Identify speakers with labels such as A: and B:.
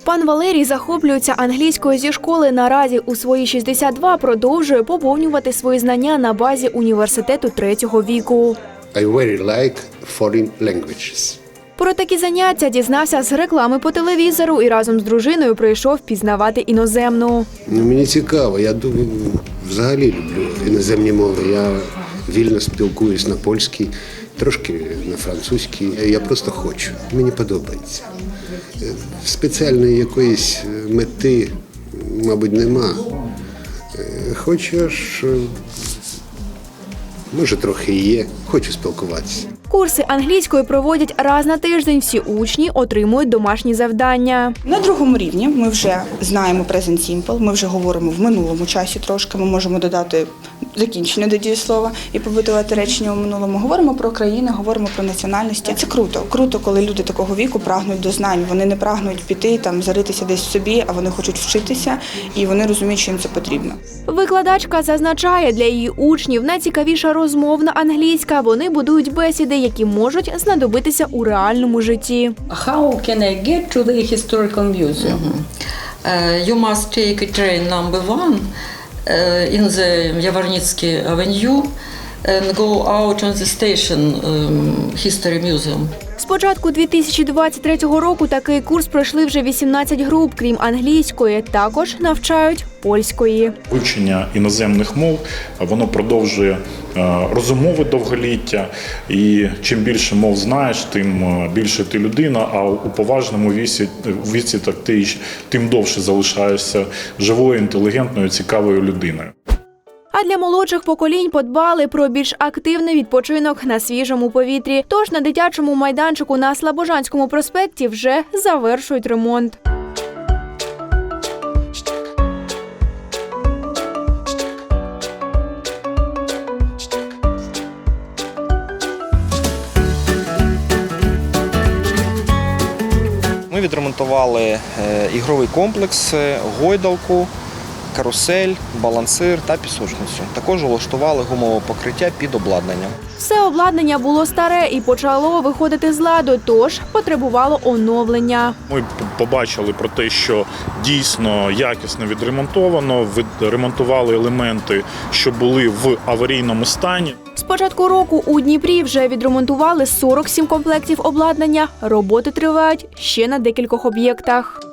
A: Пан Валерій захоплюється англійською зі школи. Наразі у свої 62 продовжує поповнювати свої знання на базі університету третього віку.
B: I very like foreign languages.
A: Про такі заняття дізнався з реклами по телевізору і разом з дружиною прийшов пізнавати іноземну.
B: Мені цікаво, я взагалі люблю іноземні мови. Я вільно спілкуюсь на польській, трошки на французькій. Я просто хочу, мені подобається. Спеціальної якоїсь мети, мабуть, нема. Хочеш, може трохи і є, хочу спілкуватися.
A: Курси англійської проводять раз на тиждень. Всі учні отримують домашні завдання.
C: На другому рівні ми вже знаємо present simple, ми вже говоримо в минулому часі трошки, ми можемо додати закінчення до дієслова і побудувати речення у минулому. Говоримо про країни, говоримо про національності. Це круто. Круто, коли люди такого віку прагнуть до знань. Вони не прагнуть піти, заритися десь в собі, а вони хочуть вчитися і вони розуміють, що їм це потрібно.
A: Викладачка зазначає, для її учнів найцікавіша розмовна англійська. Вони будують бесіди, які можуть знадобитися у реальному житті.
D: How can I get to the historical museum? You must take a train number 1 in the Yavornitsky Avenue and go out on the station History Museum.
A: З початку 2023 року такий курс пройшли вже 18 груп. Крім англійської, також навчають польської.
E: Вивчення іноземних мов, воно продовжує розумове довголіття. І чим більше мов знаєш, тим більше ти людина, а у поважному віці так ти тим довше залишаєшся живою, інтелігентною, цікавою людиною.
A: А для молодших поколінь подбали про більш активний відпочинок на свіжому повітрі. Тож на дитячому майданчику на Слобожанському проспекті вже завершують ремонт.
F: Ми відремонтували ігровий комплекс, гойдалку, карусель, балансир та пісочницю. Також влаштували гумове покриття під обладнанням.
A: Все обладнання було старе і почало виходити з ладу, тож потребувало оновлення.
E: Ми побачили про те, що дійсно якісно відремонтовано, відремонтували елементи, що були в аварійному стані.
A: З початку року у Дніпрі вже відремонтували 47 комплектів обладнання. Роботи тривають ще на декількох об'єктах.